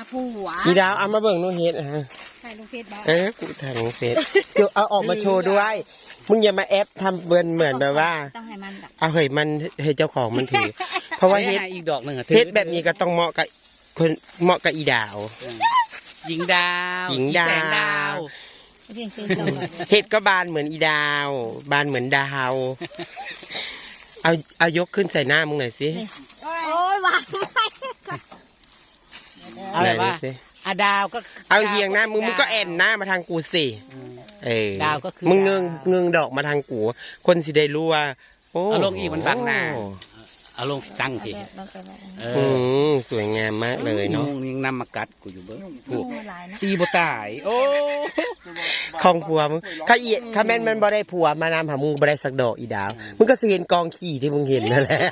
ผัวอีดาวเอามาเบิ่งน้องเฮ็ดฮะถ่ายลงเฟซบุ๊กกูถ่ายลงเฟซเดี๋ยวเอาออกมาโชว์ด้วยมึงอย่ามาแอปทำเหมือนแบบว่าต้องให้มันแบบเอาเฮ้ยมันให้เจ้าของมันถือ เพราะว่าเฮ็ดอีกดอกหนึ่งเฮ็ดแบบนี้ก็ต้องเหมาะกับคนเหมาะกับอีดาวหญิงดาวหญิงดาวแสดาวเรียนคือเราแบบเฮ็ดก็บานเหมือนอีดาว บานเหมือนดาว เอายกขึ้นใส่หน้ามึงหน่อยสิโอ้ยวางไม่เอาแบบว่าไหนดูสิอะดาวก็เอาเฮียงหน้ามึงก็แอนหน้ามาทางกูสิดาวก็คือมึงดาวเงงดอกมาทางกู คนสิได้รู้ว่าโอ้เอาลงอีกมันบังหน้า เอาลงตั้งทีเราไปแบบสวยงามมากเลยเนาะยังนำมากัดกูอยู่เบิ้งงูลายนะตีบ่ตาย โอ้ของผัวมึงถ้าแม่นมันบ่ได้ผัวมานำหามึงบ่ได้สักดอกอีดาวมึงก็สิเห็นกองขี้ที่มึงเห็นนั่นแหละ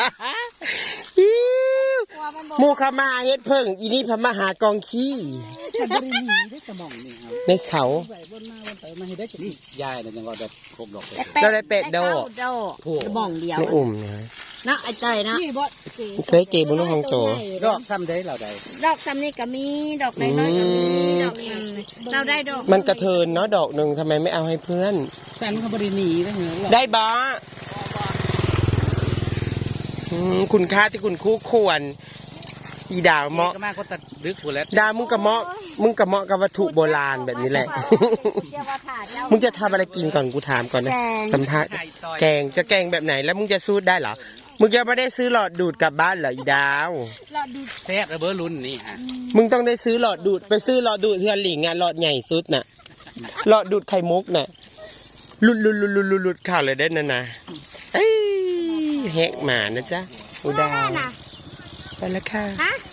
หมูเขามาเฮ็ดเพิ่งอีนี่พมาหากองขี้แต่บริหนีได้กระหม่อมนี่ครับในเขาใส่บนมาบนไปมาให้ได้จุดยายเนี่ยยังว่าแบบครบดอกเลยเราได้เป็ดโดโดจะบ่องเดียวไม่อุ่มนะนะไอ้ใจนะเคยเก็บบนลูกของโตดอกซ้ำได้เราได้ดอกซ้ำนี่ก็มีดอกน้อยๆก็มีดอกนึงเราได้ดอกมันกระเทินเนาะดอกหนึ่งทำไมไม่เอาให้เพื่อนสันเขาบริหนีได้เหรอได้บอคุณค่าที่คุณคู่ควรอีดาวเหมาะก็มาก็ตัดดึกหมดแล้วดาวมึงกระเหมาะกับวัตถุโบราณแบบนี้แหละ มึงจะทำอะไรกินก่อนกูถามก่อนนะสัมภาษณ์แกงจะแกงแบบไหนแล้วมึงจะสู้ได้เหรอมึงจะไม่ได้ซื้อหลอดดูดกลับบ้านเหรออีดาวแซ่บระเบ้อรุ่นนี่ฮะมึงต้องได้ซื้อหลอดดูดไปซื้อหลอดดูดเทือนหลิงอ่ะหลอดใหญ่สุดน่ะหลอดดูดไข่มุกน่ะหลุดข่าวเลยได้นั่นนะเอ้ยแหกหมานะจ๊ะอุดาวไปแล้วค่ะฮะ